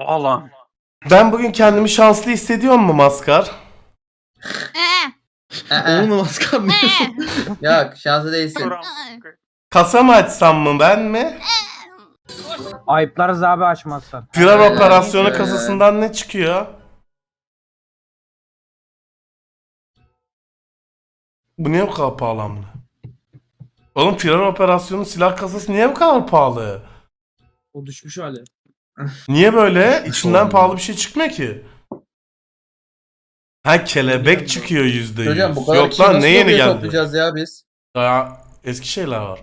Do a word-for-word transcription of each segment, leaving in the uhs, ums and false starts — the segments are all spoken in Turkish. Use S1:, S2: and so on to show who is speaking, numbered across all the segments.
S1: Alan.
S2: Ben bugün kendimi şanslı hissediyor mu Maskar?
S3: Onu mu maskar mı diyorsun?
S4: Yok şanslı değilsin.
S2: Kasa mı açsam mı ben mi?
S5: Ayıplarız abi açmazsan.
S2: Firar
S4: Öyle,
S2: operasyonu
S4: öyle.
S2: kasasından ne çıkıyor? Bu niye bu kadar pahalı amına? Oğlum firar operasyonu silah kasası niye bu kadar pahalı?
S3: O düşmüş hali.
S2: Niye böyle? İçinden
S3: olmuyor.
S2: pahalı bir şey çıkmıyor ki. Ha kelebek çıkıyor yüzde yüz.
S4: Hocam bu kadar
S2: Yok
S4: kişi
S2: lan
S4: nasıl
S2: ne yeni
S4: lobiye
S2: geldi?
S4: toplayacağız ya biz?
S2: Daha eski şeyler var.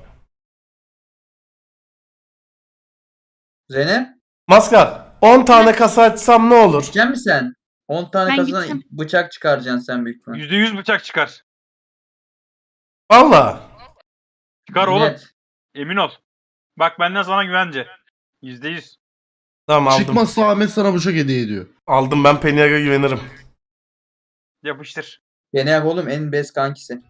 S4: Zeynep
S2: Maskar on tane kasa açsam ne olur?
S4: gidecek misin sen? on tane
S6: Ben
S4: kasadan
S6: gideceğim.
S4: bıçak çıkaracaksın sen büyük ihtimal.
S1: yüzde yüz bıçak çıkar.
S2: Valla.
S1: Çıkar oğlum.
S4: Net.
S1: Emin ol. Bak benden sana güvence. yüzde yüz.
S2: Tamam aldım.
S7: Çıkmazsa Ahmet sana bıçak hediye ediyor.
S2: Aldım ben Peniag'a güvenirim.
S1: Yapıştır.
S4: Gene yap oğlum en best kankisi.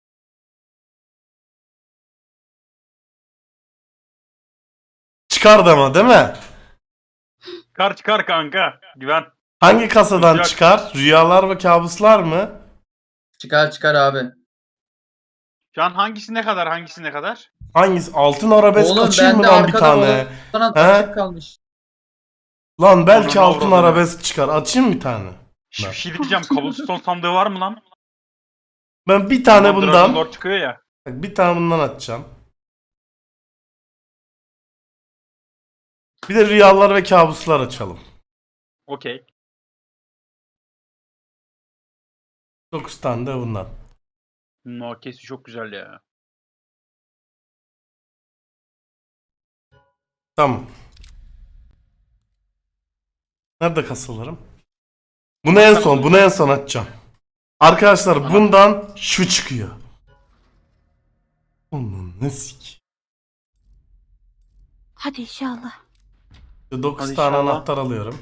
S2: Çıkardı ama değil mi?
S1: Çıkar çıkar kanka. Güven.
S2: Hangi kasadan
S1: Bıçak.
S2: çıkar? Rüyalar ve kabuslar mı?
S4: Çıkar çıkar abi.
S1: Şu an hangisi ne kadar hangisi ne kadar?
S2: Hangisi? Altın arabesk
S4: Oğlum
S2: açayım mı
S4: bende
S2: lan bir
S4: arkada
S2: tane?
S4: Sana
S2: He?
S4: açık kalmış.
S2: Lan belki
S1: Ananı
S2: altın
S1: avradını.
S2: arabesk çıkar. Açayım bir tane.
S1: Şş, bir şey diyeceğim. Cobblestone sandığı var mı lan?
S2: Ben bir tane
S1: Dragon
S2: bundan.
S1: Lord çıkıyor ya.
S2: Bak, bir tane bundan açacağım. Bir de rüyalar ve kabuslar açalım.
S1: Okey.
S2: dokuz tane de bundan.
S1: No kesi çok güzel ya.
S2: Tamam. Nerede kasalarım? Bunu en son, bunu en son açacağım. Arkadaşlar
S1: Aha.
S2: bundan şu çıkıyor. Onun ne sik.
S6: Hadi inşallah.
S2: dokuz
S1: Hadi
S2: tane
S1: inşallah.
S2: anahtar alıyorum.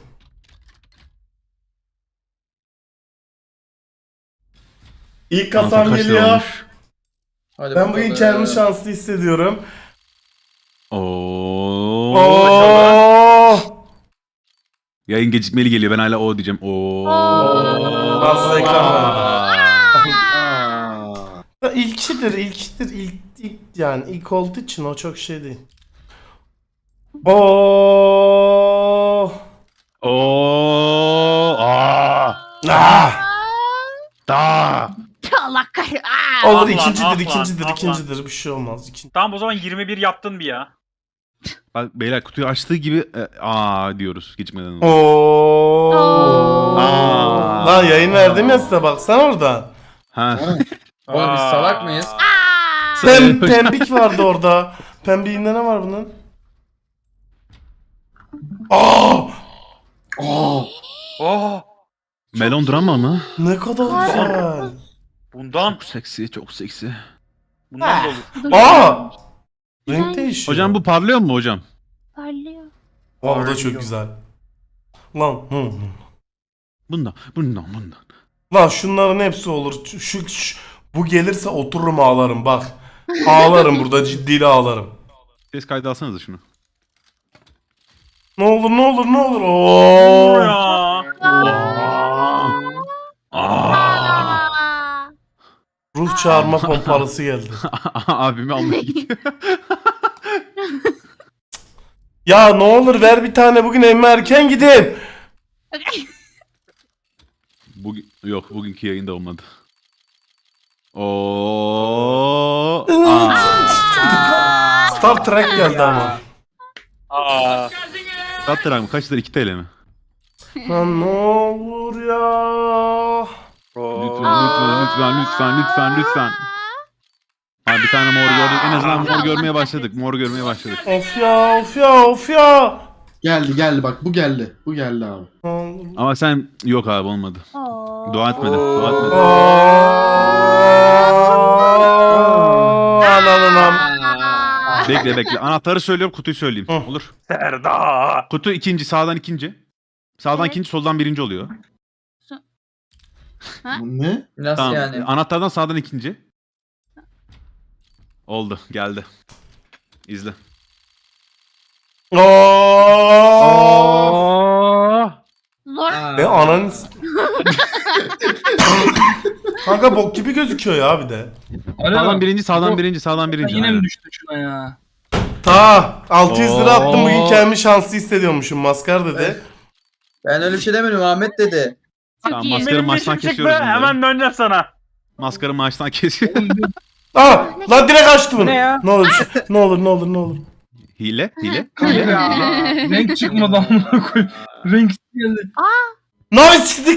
S2: İlk kasam
S7: Kaç lira
S2: geliyor.
S7: olmuş?
S4: Hadi
S2: Ben bugün
S4: bakalım.
S2: kendimi şanslı hissediyorum.
S7: Oo.
S2: Oo!
S7: Yayın gecikmeli geliyor. Ben hala o diyeceğim. Oo.
S2: Nasıl ekran var?
S4: Aa.
S2: Ya İlkidir, ilkidir, ilk, ilk yani ilk olduğu için o çok şey değil. Oo!
S7: Oo. Aa.
S2: Ah!
S7: Da.
S6: Allah kahretsin. Aa!
S2: Olur
S1: Ah lan,
S2: ikincidir,
S1: ah lan,
S2: ikincidir,
S1: ah lan.
S2: ikincidir. Bir şey olmaz. İkinci.
S1: Tamam o zaman yirmi bir yaptın bir ya.
S7: Bak beyler kutuyu açtığı gibi e, aa diyoruz gecikmeden. önce.
S2: Oo!
S7: Aa.
S2: Lan yayın verdim ya size baksana oradan.
S7: Ha.
S4: Oğlum biz salak mıyız?
S6: Aa!
S2: Pem, pembik vardı orada. Pembiğinde ne var bunun? Aa!
S1: Oh!
S7: Melon drama mı?
S2: Ne kadar güzel.
S1: Bundan.
S7: Çok seksi, çok seksi.
S1: Bundan da olur.
S6: Dur.
S2: Aa! Renk
S6: Güzel.
S2: değişiyor.
S7: Hocam bu parlıyor mu hocam?
S6: Parlıyor.
S2: Aa, bu da çok güzel. Lan hı, hı.
S7: Bundan, bundan, bundan.
S2: Lan şunların hepsi olur. Şu, şu- şu- bu gelirse otururum ağlarım bak. Ağlarım burada ciddiyle ağlarım.
S7: Ses kaydı alsanıza şunu.
S2: Ne olur ne olur ne olur. Oo.
S1: Ya.
S7: Aa.
S6: Aa!
S2: Ruh çağırma pompalısı geldi.
S7: Abimi almaya gidiyor.
S2: Ya ne olur ver bir tane bugün emme erken gideyim.
S7: Bugün yok bugünkü yayında olmadı. Oo. Aa.
S2: Star Trek geldi ama.
S1: Aa.
S7: Kaç lira mı? Kaç lira? iki T L mi?
S2: Lan ne olur ya.
S7: Lütfen, lütfen, lütfen, lütfen, lütfen, lütfen. Ha bir tane mor gördük. En azından mor görmeye başladık. Mor görmeye başladık.
S2: Of ya of ya of ya.
S3: Geldi geldi bak bu geldi. Bu geldi abi.
S2: Ne olur.
S7: Ama sen yok abi olmadı.
S6: Oo.
S7: Dua etmedi. Dua etmedi.
S2: Ananın am.
S6: Aa!
S7: Bekle bekle. Anahtarı söylüyorum, kutuyu söyleyeyim.
S2: Hı.
S7: Olur.
S1: Serda.
S7: Kutu ikinci, sağdan ikinci. Sağdan
S6: Evet.
S7: ikinci, soldan birinci oluyor.
S3: Bu ne?
S4: Nasıl
S7: Tamam.
S4: yani?
S7: Anahtardan sağdan ikinci. Oldu. Geldi. İzle.
S2: Oo. Ananı s- Kanka bok gibi gözüküyor ya bir de.
S7: Sağdan birinci, sağdan
S5: Bu-
S7: birinci, sağdan birinci.
S5: Yine
S7: Aynen.
S5: mi düştü şuna ya?
S2: Ta altı yüz lira attım bugün
S7: Oo.
S2: kendimi şanslı hissediyormuşum maskar dedi.
S4: Ben öyle bir şey demedim, Ahmet dedi.
S7: Tamam,
S6: iyi.
S7: maskarı
S1: Benim
S7: maçtan
S1: dişim çıktı.
S7: kesiyoruz bunları.
S1: Hemen döneceğim sana.
S7: Maskarı maçtan kesiyor.
S2: Aa lan direkt açtı bunu.
S1: Ne ya?
S2: Ne olur bir şey- ne olur ne olur ne olur.
S7: Hile, hile.
S5: Renk çıkmadı amına koyayım. Renk geldi.
S2: Navi siktik.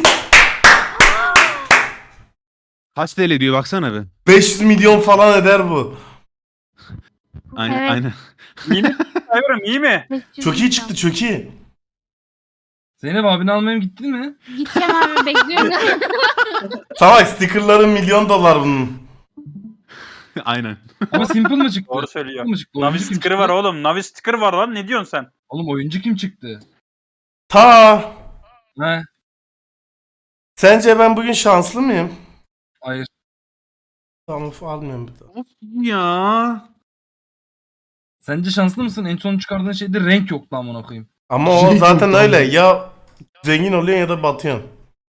S7: Kaç T L diyor baksana be.
S2: beş yüz milyon falan eder bu.
S7: Aynen,
S6: Evet.
S7: aynen.
S1: İyi mi? Sayıyorum iyi mi?
S2: Çok iyi çıktı çok iyi.
S5: Zeynep abini almaya gittin mi?
S6: Gideceğim abi bekliyorum.
S2: Tamam stickerların milyon dolar bunun.
S7: Aynen.
S5: Ama simple mı çıktı?
S1: Doğru söylüyor.
S5: Simple mı çıktı?
S1: Navi
S5: Oyuncu kim
S1: sticker'ı
S5: çıktı?
S1: var oğlum. Navi sticker var lan. Ne diyorsun sen?
S5: Oğlum oyuncu kim çıktı?
S2: Ta
S5: He.
S2: sence ben bugün şanslı mıyım?
S5: Hayır.
S2: Tamam almıyorum bir daha.
S7: Ya.
S5: Sence şanslı mısın? En son çıkardığın şeyde renk yoktu amına koyayım.
S2: Ama o
S3: Şey
S2: zaten
S3: yok,
S2: öyle
S3: tamam.
S2: ya zengin oluyorsun ya da batıyorsun.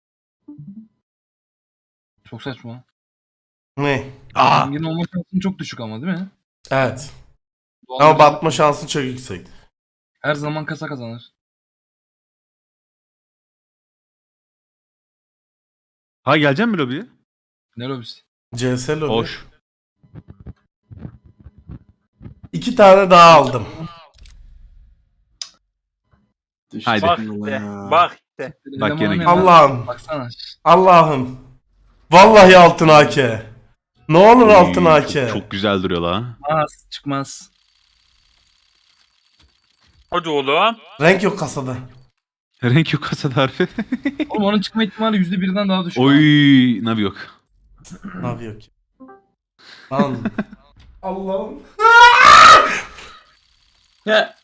S5: Çok saçma.
S2: Ne?
S7: Aa.
S5: Zengin olma şansın çok düşük ama değil mi?
S2: Evet.
S5: Doğal
S2: Ama
S5: olarak
S2: batma şansın çok yüksek.
S5: her zaman kasa kazanır.
S7: Ha gelecek mi lobiye?
S5: Ne lobisi?
S2: C S lobi.
S7: Hoş.
S2: İki tane daha aldım.
S3: Düştü
S7: Haydi.
S1: Bak
S3: vallahi
S1: işte.
S3: ya.
S1: Bak işte.
S7: Bak
S5: Eleman
S7: gene-
S5: olmayan-
S2: Allah'ım.
S5: Baksana.
S2: Allah'ım. Vallahi altın A K. Ne olur altın A
S7: Çok,
S2: K.
S7: çok güzel duruyor la.
S5: Az çıkmaz.
S1: Hadi oğlum.
S2: Renk yok kasada.
S7: Renk yok kasada harfi.
S5: Oğlum onun çıkma ihtimali yüzde birden daha düşük.
S7: Oy, navi yok.
S2: Ne yapıyor ki? Lan. Allah'ım.
S4: Ya.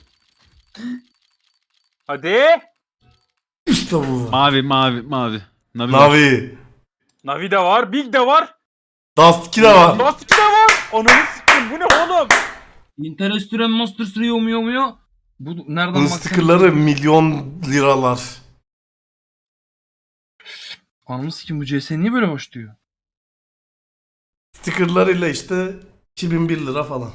S1: Hadi.
S2: İşte bu.
S7: Mavi, mavi, mavi. Navi. var.
S2: Navi.
S1: Navi de var. Big de var.
S2: Dust iki de var.
S1: Dust iki de var. Ananı sikeyim. Bu ne oğlum?
S5: Interestüren Monster Trio mu mu? Bu nereden
S2: Bunun
S5: baksan-
S2: stickerları milyon liralar.
S5: Anamı sikim bu C S niye böyle başlıyor?
S2: Stickerlarıyla işte iki bin bir lira falan.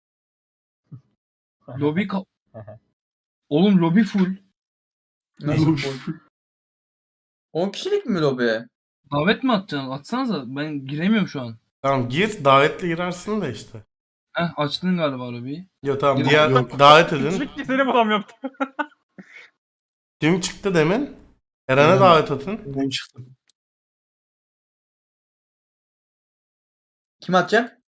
S5: Lobi ka- Oğlum lobi full.
S4: Nasıl full? on kişilik mi lobi?
S5: Davet mi atacaksın? Atsanıza ben giremiyorum şu an.
S2: Tamam gir davetle girersin de işte.
S5: Heh açtın galiba lobiyi.
S2: Yok tamam
S5: Yok,
S2: diğer
S3: yok.
S2: davet edin.
S1: Hiçbir seni bulamıyorum.
S2: Kim çıktı demin? Eren'e
S3: Eren.
S2: davet atın.
S3: Ben çıktım.
S4: Kim atacak?